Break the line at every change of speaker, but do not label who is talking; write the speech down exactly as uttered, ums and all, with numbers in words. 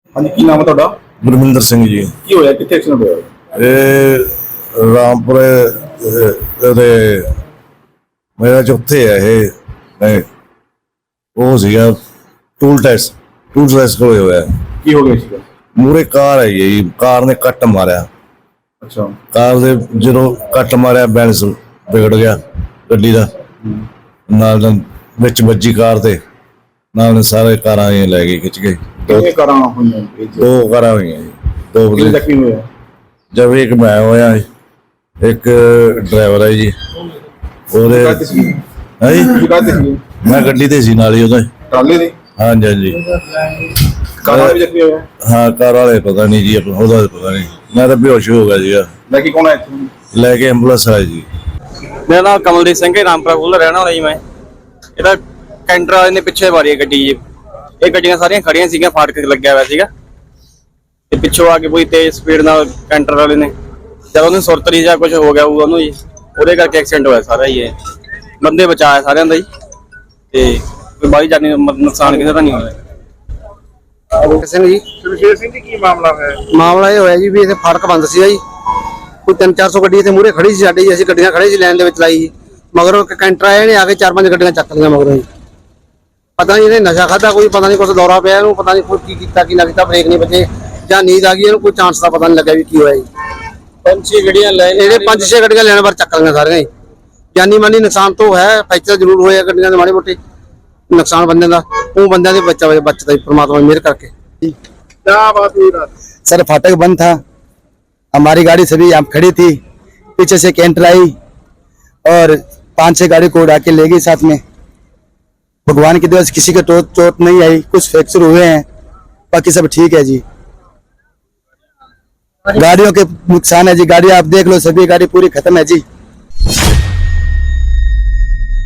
हाँ जी, की नाम है ਤੁਹਾਡਾ?
ਗੁਰਮਿੰਦਰ ਸਿੰਘ ਜੀ।
ਕੀ ਹੋਇਆ, ਕਿੱਥੇ ਐਕਸੀਡੈਂਟ ਹੋਇਆ?
ਇਹ ਰਾਮਪੁਰ ਦੇ ਮੇਰਾ ਚੌਥੇ ਹੈ ਇਹ ਨਹੀਂ ਉਹ ਸੀਗਾ ਟੂਲ ਟੈਸਟ ਟੂਲ ਟੈਸਟ ਕੋਲ ਹੋਇਆ।
ਕੀ ਹੋ ਗਿਆ ਸੀਗਾ?
ਮੂਰੇ ਕਾਰ ਹੈ ਜੀ, ਕਾਰ ਨੇ ਕੱਟ ਮਾਰਿਆ।
ਅੱਛਾ।
ਕਾਰ ਦੇ ਜਦੋਂ ਕੱਟ ਮਾਰਿਆ ਬੈਲੈਂਸ ਵਿਗੜ ਗਿਆ ਗੱਡੀ ਦਾ, ਨਾਲ ਨਾਲ ਵਿੱਚ ਵੱਜੀ ਕਾਰ ਤੇ, ਨਾਲ ਸਾਰੇ ਕਾਰਾਂ ਇਹ ਲੈ ਗਏ ਖਿੱਚ ਕੇ।
ਕਿੰਨੇ ਕਾਰਾਂ ਹੋਈਆਂ?
ਦੋ ਕਾਰਾਂ ਹੋਈਆਂ ਜੀ, ਦੋ
ਕਿੰਨੇ ਜ਼ਖਮੀ ਹੋਏ?
ਜਦ ਇੱਕ ਮੈਂ ਹੋਇਆ, ਇੱਕ ਡਰਾਈਵਰ ਹੈ ਜੀ ਉਹਦੇ ਹੈ ਜੀ। ਮੈਂ ਗੱਡੀ ਤੇ ਸੀ ਨਾਲ ਹੀ ਉਹਦੇ
ਟਰਾਲੇ ਦੇ।
ਹਾਂਜੀ ਹਾਂਜੀ।
ਕਾਰਾਂ ਵੀ ਜ਼ਖਮੀ ਹੋਇਆ?
ਹਾਂ, ਕਾਰ ਵਾਲੇ ਪਤਾ ਨਹੀਂ ਜੀ, ਆਪਣਾ ਉਹਦਾ ਪਤਾ ਨਹੀਂ, ਮੈਂ ਤਾਂ ਬੇਹੋਸ਼ ਹੋ ਗਿਆ ਸੀਗਾ।
ਲੈ ਕੇ ਕੌਣ ਆਇਆ ਇੱਥੇ?
ਲੈ ਕੇ ਐਂਬੂਲੈਂਸ ਆਈ ਜੀ।
ਮੇਰਾ ਨਾਮ ਕਮਲਦੀਪ ਸਿੰਘ ਹੈ, ਰਾਮਪੁਰਾ ਕੋਲ ਰਹਿਣਾ ਵਾਲਾ ਜੀ ਮੈਂ। ਇਹਦਾ ਕੈਂਟਰ ਵਾਲੇ ਨੇ ਪਿੱਛੇ ਮਾਰੀ ਗੱਡੀ ਜੀ। ਇਹ ਗੱਡੀਆਂ ਸਾਰੀਆਂ ਖੜੀਆਂ ਸੀਗੀਆਂ, ਫਾਟਕ ਲੱਗਿਆ ਹੋਇਆ ਸੀਗਾ ਤੇ ਪਿੱਛੋਂ ਆ ਕੇ ਕੋਈ ਤੇਜ਼ ਸਪੀਡ ਨਾਲ ਕੈਂਟਰ ਵਾਲੇ ਨੇ ਜਦ ਉਹਨੂੰ ਸੁਰਤਰੀ ਜਾਂ ਕੁਝ ਹੋ ਗਿਆ ਉਹਨੂੰ ਜੀ, ਉਹਦੇ ਕਰਕੇ ਐਕਸੀਡੈਂਟ ਹੋਇਆ ਸਾਰਾ ਹੀ। ਇਹ ਬੰਦੇ ਬਚਾਇਆ ਸਾਰਿਆਂ ਦਾ ਜੀ, ਤੇ ਕੋਈ ਬਾਹਲੀ ਜਾਨੀ ਨੁਕਸਾਨ ਕਿਸੇ ਦਾ ਨਹੀਂ ਹੋਇਆ।
ਸਿੰਘ ਜੀ।
ਸ਼ਮਸ਼ੇਰ ਸਿੰਘ ਜੀ, ਕੀ ਮਾਮਲਾ ਹੈ?
ਮਾਮਲਾ ਇਹ ਹੋਇਆ ਜੀ ਵੀ ਇੱਥੇ ਫਾਟਕ ਬੰਦ ਸੀਗਾ ਜੀ, ਕੋਈ ਤਿੰਨ ਚਾਰ ਸੌ ਗੱਡੀ ਇੱਥੇ ਮੂਹਰੇ ਖੜੀ ਸੀ ਸਾਡੀ, ਅਸੀਂ ਗੱਡੀਆਂ ਖੜੇ ਸੀ ਲਾਈਨ ਦੇ ਵਿੱਚ ਲਾਈ ਜੀ। ਮਗਰੋਂ ਕੈਂਟਰ ਆਏ ਨੇ, ਆ ਕੇ ਚਾਰ ਪੰਜ ਗੱਡੀਆਂ ਚੱਕ ਲਈਆਂ ਮਗਰੋਂ ਜੀ। ਪਤਾ ਨਹੀਂ ਇਹਨੇ ਨਸ਼ਾ ਖਾਧਾ, ਕੋਈ ਪਤਾ ਨਹੀਂ ਕੁਛ ਦੌਰਾ ਪਿਆ ਇਹਨੂੰ, ਪਤਾ ਨਹੀਂ ਕੋਈ ਕੀ ਕੀਤਾ ਕੀ ਨਾ ਕੀਤਾ, ਬ੍ਰੇਕ ਨਹੀਂ ਵੱਜੇ ਜਾਂ ਨੀਂਦ ਆ ਗਈ ਇਹਨੂੰ, ਕੋਈ ਚਾਂਸ ਦਾ ਪਤਾ ਨਹੀਂ ਲੱਗਿਆ ਵੀ ਕੀ ਹੋਇਆ ਜੀ।
ਪੰਜ ਛੇ ਗੱਡੀਆਂ ਲੈ
ਇਹਦੇ ਪੰਜ ਛੇ ਗੱਡੀਆਂ ਲੈਣ ਵਾਰ ਚੱਕ ਲਈਆਂ ਸਾਰੀਆਂ ਜੀ। ਜਾਨੀ ਮਾਨੀ ਨੁਕਸਾਨ ਤੋਂ ਹੈ, ਫ੍ਰੈਕਚਰ ਜ਼ਰੂਰ ਹੋਇਆ ਗੱਡੀਆਂ ਦੇ ਮਾੜੇ ਮੋਟੇ ਨੁਕਸਾਨ ਬੰਦਿਆਂ ਦਾ, ਉਹ ਬੰਦਿਆਂ ਦੇ ਬੱਚਾ ਬਚਦਾ ਜੀ परमात्मा मेहर करके।
क्या बात हुई रात?
सर फाटक बंद था, हमारी गाड़ी सभी यहाँ खड़ी थी, पीछे से कैंटर आई और पांच छह गाड़ी को उड़ा के ले गई साथ में। भगवान की दया से किसी के चोट चोट नहीं आई, कुछ फ्रैक्चर हुए हैं, बाकी सब ठीक है जी। गाड़ियों के नुकसान है जी, गाड़ी आप देख लो, सभी गाड़ी पूरी खत्म है जी।